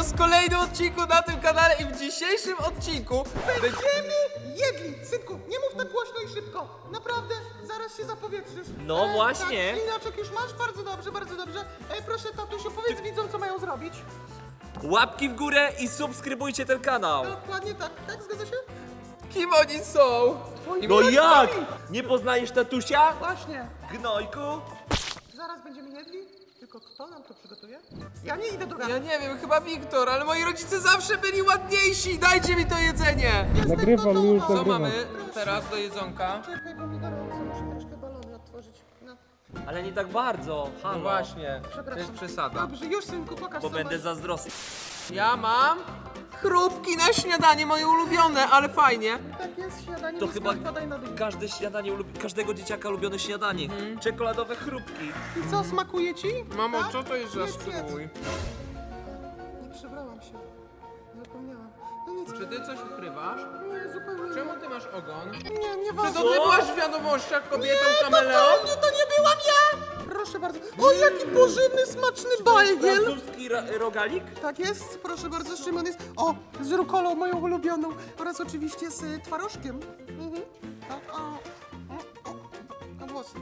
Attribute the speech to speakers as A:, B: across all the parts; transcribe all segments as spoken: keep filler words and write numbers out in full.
A: was w kolejnym odcinku na tym kanale i w dzisiejszym odcinku
B: Będziemy jedli! Synku, nie mów tak głośno i szybko. Naprawdę, zaraz się zapowietrzysz.
C: No właśnie.
B: Tak, linaczek już masz? Bardzo dobrze, bardzo dobrze. E, proszę, tatusiu, powiedz widzom, co mają zrobić.
C: Łapki w górę i subskrybujcie ten kanał.
B: Dokładnie tak, tak, zgadza się?
A: kim oni są?
B: Twoimi
C: No jak?
B: rodzicami.
C: Nie poznajesz tatusia?
B: Właśnie.
C: Gnojku?
B: Zaraz będziemy jedli. Tylko kto nam to przygotuje? Ja nie idę do gana.
A: Ja nie wiem, chyba Wiktor, ale moi rodzice zawsze byli ładniejsi. Dajcie mi to jedzenie.
B: Jestem
D: Nagrywam
B: gotowa.
D: już,
A: Co
D: nagrywam.
A: mamy teraz do jedzonka?
B: Czekaj, bo mi gorąco, muszę troszkę balony otworzyć. No,
C: Ale nie tak bardzo.
A: No
C: Halo.
A: właśnie, to
B: przepraszam.
A: jest przesada.
B: Dobrze, już synku, pokaż
C: Bo
B: co
C: będę
B: masz.
C: zazdrosny.
A: Ja mam chrupki na śniadanie, moje ulubione, ale fajnie.
B: Tak jest, śniadanie
C: To
B: nisko,
C: chyba
B: wpadaj na dół.
C: każde śniadanie, ulubi- każdego dzieciaka ulubione śniadanie.
A: Mhm.
C: Czekoladowe chrupki.
B: I co, smakuje ci?
A: Mamo,
B: Tak?
A: co to jest za
B: Jedz, jedz.
A: strój?
B: Nie przebrałam się. Zapomniałam. No nic.
A: Czy ty coś ukrywasz?
B: Nie, zupełnie
A: Czemu ty masz ogon?
B: nie. Nie,
A: Czy
B: nieważne.
A: to ty byłaś w wiadomościach kobietą
B: Nie,
A: kameleon?
B: totalnie to nie byłam ja! Proszę bardzo. O, jaki pożywny, smaczny bajgiel!
C: Francuski ra- rogalik?
B: Tak jest, proszę bardzo, z czym on jest? O, z rukolą moją ulubioną oraz oczywiście z y, twarożkiem. Mhm. O, o, o, o, o włosy.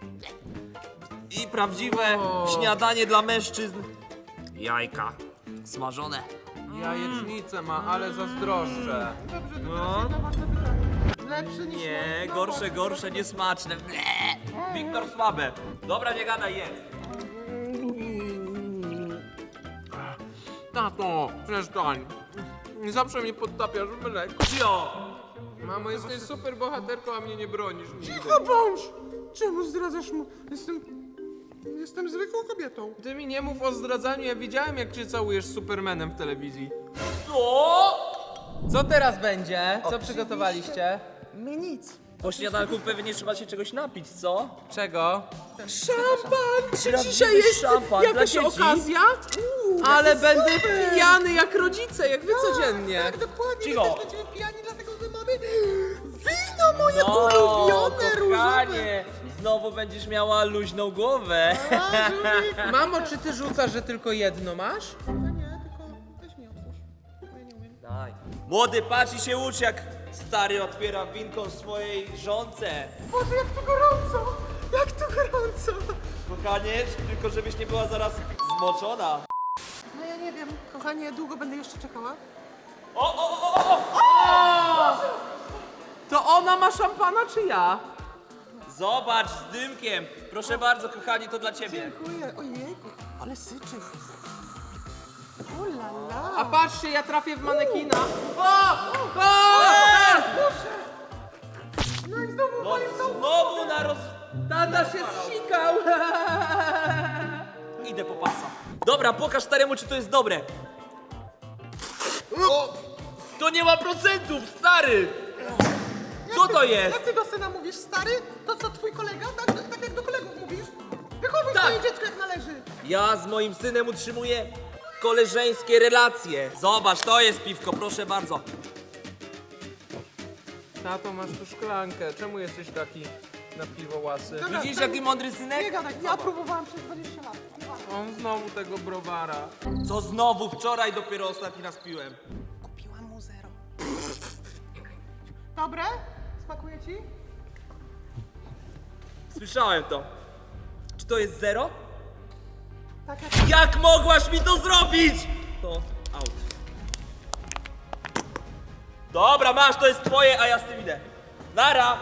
C: I prawdziwe
A: O.
C: śniadanie dla mężczyzn. Jajka. Smażone.
A: Jajecznicę ma, ale zazdroszczę.
B: Dobrze, to
A: No.
B: teraz jedno ważne pytanie. Lepszy niż
C: Nie,
B: moje-
C: gorsze, gorsze, niesmaczne. Ble. Wiktor słabe. Dobra, nie gadaj, jedz.
A: Tato, przestań. Zawsze mnie podtapiasz w mleku.
C: Cio!
A: Mamo, jesteś super bohaterką, a mnie nie bronisz nigdy.
B: Cicho bądź! Czemu zdradzasz mu? Jestem... Jestem zwykłą kobietą.
A: Ty mi nie mów o zdradzaniu, ja widziałem jak cię całujesz z Supermanem w telewizji.
C: Co?
A: Co teraz będzie? Co przygotowaliście?
B: My nic.
C: Po śniadanku pewnie trzeba się czegoś napić, co?
A: Czego?
B: Szampan! Czy
C: Prawdziwy
B: dzisiaj jest
C: szampan dla
B: jakaś
C: dzieci?
B: okazja? Uuu,
A: Ale
B: jaki
A: będę
B: super!
A: pijany jak rodzice, jak wy codziennie.
B: Tak, dokładnie.
C: Cicho.
B: My też będziemy pijani, dlatego że mamy wino moje ulubione, różowe.
C: kochanie, znowu będziesz miała luźną głowę.
B: A, żółwik.
A: Mamo, czy ty rzucasz, że tylko jedno masz?
B: No nie, tylko weź mi otwórz. Bo ja nie umiem.
C: Daj. Młody, patrz i się ucz, jak stary otwiera winką swojej żonce.
B: Boże, jak tu gorąco! Jak tu gorąco!
C: Kochanie, tylko żebyś nie była zaraz zmoczona.
B: No ja nie wiem, kochanie, długo będę jeszcze czekała?
C: O, o, o, o, o!
A: To ona ma szampana, czy ja?
C: Zobacz, z dymkiem. Proszę bardzo, kochani, to dla ciebie.
B: Dziękuję. Ojejku, ale syczy. O la la.
A: A patrzcie, ja trafię w manekina. O! O!
B: No i znowu
C: No
B: moim domu.
C: znowu na roz...
A: Tata się zsikał.
C: Idę po pasa. Dobra, pokaż staremu, czy to jest dobre. To nie ma procentów, stary! Co to jest?
B: Jak ty do syna mówisz, stary? To co, twój kolega? Tak, tak jak do kolegów mówisz? Wychowuj
C: Tak.
B: swoje dziecko jak należy.
C: Ja z moim synem utrzymuję koleżeńskie relacje. Zobacz, to jest piwko, proszę bardzo.
A: Tato, masz tu szklankę. Czemu jesteś taki na piwo łasy?
B: Dobra,
C: Widzisz,
B: tam-
C: jaki mądry synek?
B: Nie gadaj, ja próbowałam przez dwadzieścia lat.
A: On znowu tego browara.
C: Co znowu? Wczoraj dopiero ostatni raz piłem.
B: Kupiłam mu zero. Dobre? Smakuje ci?
C: Słyszałem to. Czy to jest zero?
B: Tak jak...
C: Jak mogłaś mi to zrobić? To out. Dobra, masz, to jest twoje, a ja z tym idę. Nara!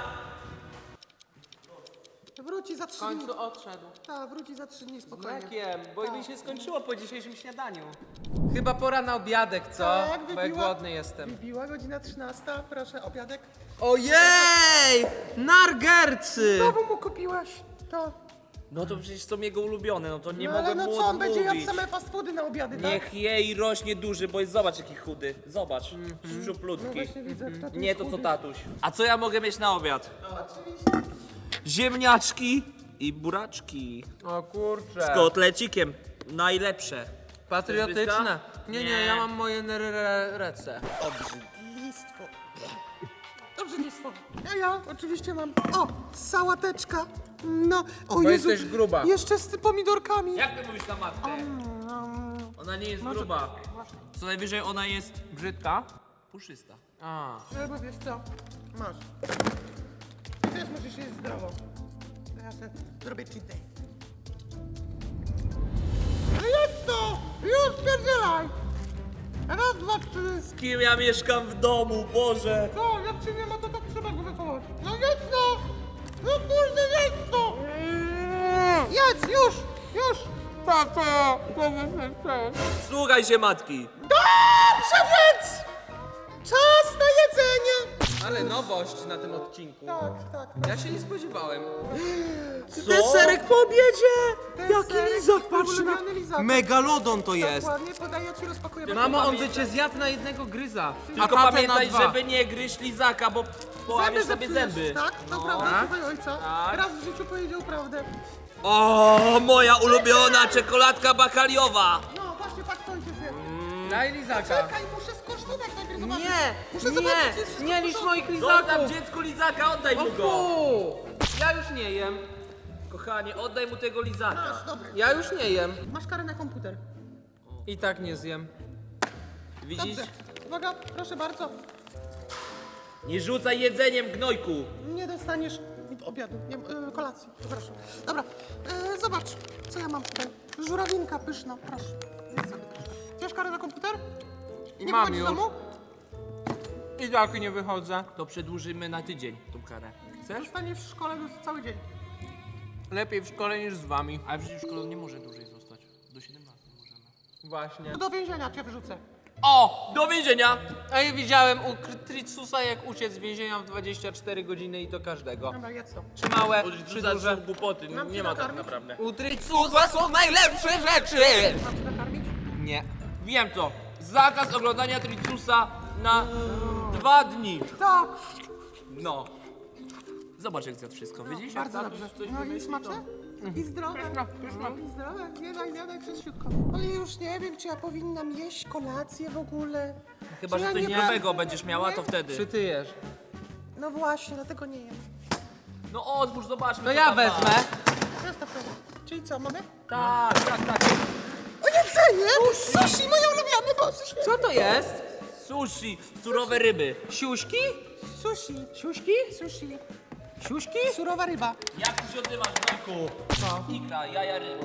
B: Wróci za
A: W
B: trzy dni.
A: końcu odszedł.
B: Tak, wróci za trzy dni, spokojnie.
A: Mlekiem, bo mi się skończyło po dzisiejszym śniadaniu. Chyba pora na obiadek, co?
B: Tak,
A: Bo ja
B: wybiła-
A: głodny jestem.
B: Wybiła godzina trzynasta, proszę, obiadek.
A: Ojej! Nargercy!
B: Znowu mu kupiłaś to.
C: No to przecież są jego ulubione, no to nie
B: No,
C: mogę
B: ale no
C: mu
B: co, on będzie jadł
C: odmówić.
B: same fast foody na obiady, tak?
C: Niech je i rośnie duży, bo jest, zobacz jaki chudy. Zobacz,
B: No
C: szczuplutki.
B: właśnie widzę, kto tu
C: Nie
B: jest
C: to co
B: chudy.
C: tatuś. A co ja mogę mieć na obiad?
B: Oczywiście.
C: Ziemniaczki i buraczki.
A: O kurczę.
C: Z kotlecikiem. Najlepsze.
A: Patriotyczne. Nie, nie,
C: Nie.
A: ja mam moje rece.
B: Obrzydlistwo. Obrzydlistwo. Ja, ja oczywiście mam. O, sałateczka. No, o
A: Bo
B: Jezu.
A: jesteś gruba.
B: Jeszcze z pomidorkami.
C: Jak ty mówisz na matkę?
B: Mm,
C: Ona nie jest
B: Może-
C: gruba.
B: Właśnie.
C: Co najwyżej ona jest
A: Brzydka?
C: puszysta.
A: A.
B: No bo wiesz co? Masz. Ty też musisz jeść zdrowo. To ja sobie zrobię cheat day. No jedz to! Już pierdzielaj! Raz, dwa, trzy.
C: Z kim ja mieszkam w domu, Boże?
B: Co? Jak cię nie ma, to tak trzeba go wychować. No jedz to! No kurde, jedz to! Jedz, już! Już!
A: Tato!
C: Słuchaj się matki.
B: Dobrze więc! Czas na jedzenie!
A: Ale nowość na tym odcinku.
B: Tak, tak.
A: Ja się nie spodziewałem.
C: Co?
A: Deserek po obiedzie!
B: Deserek,
A: Jaki lizak, patrz na...
B: ulubiony lizak.
A: Megalodon to jest.
B: Dokładnie, podaję ci, rozpakuję.
A: Mamo, on by
C: Pamiętaj.
A: cię zjadł na jednego gryza.
C: Tylko
A: a tatę na
C: pamiętaj,
A: dwa.
C: żeby nie gryźć lizaka, bo połamiesz sobie
B: zepsujesz,
C: zęby.
B: Tak, to prawda,
A: Tak?
B: słuchaj ojca.
C: Tak.
B: Raz w życiu powiedział prawdę.
C: O, moja ulubiona czekoladka bakaliowa.
B: No właśnie, patrz co ojciec wie.
A: Daj lizaka.
B: Czekaj, muszę skosztować najpierw, zobaczyć.
A: Nie,
B: Muszę zobaczyć, jest
A: nie,
B: wszystko
A: nie
B: w
A: licz
B: porządku.
A: moich
C: Zostaw
A: lizaków.
C: dziecku lizaka, oddaj
A: O
C: mu go.
A: fu! Ja już nie jem.
C: Kochanie, oddaj mu tego lizaka.
B: Masz, dobry.
A: Ja już nie jem.
B: Masz karę na komputer.
A: I tak nie zjem.
C: Widzisz?
B: Dobrze. Uwaga, proszę bardzo.
C: Nie rzucaj jedzeniem, gnojku.
B: Nie dostaniesz obiadu, nie, y, kolacji, przepraszam. Dobra, y, zobacz, co ja mam tutaj. Żurawinka pyszna, proszę. Zjedz sobie troszkę. Chcesz karę na komputer? Nie
A: Mam
B: wychodzisz z
A: już.
B: domu?
A: I tak nie wychodzę.
C: To przedłużymy na tydzień tą karę. Chcesz?
B: Zostaniesz w szkole przez cały dzień.
A: Lepiej w szkole niż z wami.
C: Ale przecież szkoła nie może dłużej zostać. Do siedemnastu możemy.
A: Właśnie.
B: Do więzienia cię wyrzucę.
C: O! Do więzienia!
A: A ja widziałem u Tricusa, jak uciec z więzienia w dwadzieścia cztery godziny i to każdego.
B: Dobra, jedz to.
A: Czy małe,
C: Bo
A: czy
C: to za
A: duże.
C: są głupoty,
B: Mam
C: nie
B: cię
C: ma tak
B: nakarmić?
C: naprawdę.
A: U Tricusa są najlepsze rzeczy!
B: Mam cię nakarmić?
A: Nie.
C: Wiem to. Zakaz oglądania Tricusa na dwa dni.
B: Tak.
C: No. Zobacz jak zjadł wszystko, widzisz?
B: Bardzo
C: Jak
B: dobrze.
C: tatuś coś
B: No i
C: wymyśli,
B: smaczne? I zdrowe. No i zdrowe. Zjadaj, zjadaj przez siutko. Ale już nie wiem, czy ja powinnam jeść kolację w ogóle.
C: to- Chyba,
B: Czy
C: że
B: ja
C: coś
B: nie
C: zdrowego
B: będę?
C: będziesz miała, to
B: Nie?
C: wtedy.
A: Czy ty jesz?
B: No właśnie, dlatego nie jem.
C: No otwórz, zobaczmy.
A: To
C: co
A: ja
C: tam ma.
A: wezmę.
B: Przestaw to. Czyli co, mamy?
C: Tak, tak, tak.
B: O jedzenie! Sushi, moje ulubione, Boże święty.
A: Co to jest?
C: Sushi, surowe ryby.
A: Siuśki?
B: Sushi.
A: Siuśki?
B: Sushi.
A: Siuśki?
B: Surowa ryba.
C: Jak ty się odzywasz, Gnojku? Co? Ikra, jaja ryb.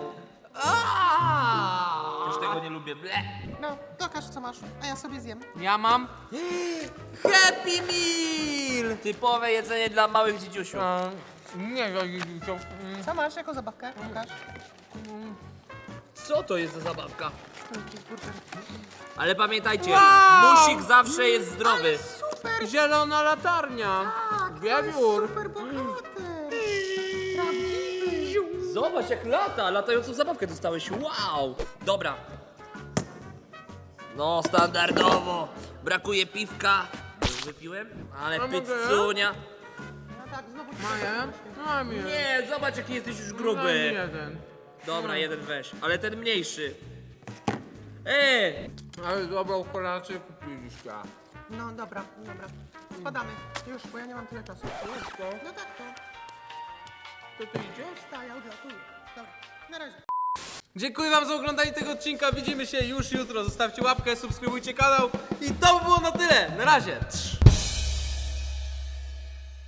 A: Aaaa!
C: Też tego nie lubię. Ble.
B: No, pokaż co masz, a ja sobie zjem.
A: Ja mam Happy Meal!
C: Typowe jedzenie dla małych dzidziusiów.
A: A, nie, to
B: Co masz jako zabawkę? Pokaż.
C: Co to jest za zabawka?
B: Jakiś burger.
C: Ale pamiętajcie,
A: Wow!
C: musik zawsze jest zdrowy.
B: Super!
A: zielona latarnia.
B: Tak,
A: Wiewiór.
B: super bohater. Prawdziwy.
C: Zobacz jak lata, latającą zabawkę dostałeś. Wow! Dobra. No, standardowo. Brakuje piwka. Już wypiłem? Ale
A: A mogę?
C: pizzunia.
B: No tak, znowu
A: Maję? Mam je.
C: Nie, zobacz jaki jesteś już
A: Daj mi
C: gruby.
A: jeden.
C: Dobra, jeden weź, ale ten mniejszy. Ej!
A: Ale dobrą kolację kupiliście.
B: No dobra, dobra. Spadamy. Już, bo ja nie mam tyle czasu. No tak to.
A: To ty idziesz?
B: Tak, ja odlatuję. Dobra, na razie.
A: Dziękuję wam za oglądanie tego odcinka. Widzimy się już jutro. Zostawcie łapkę, subskrybujcie kanał. I to by było na tyle. Na razie. Trz.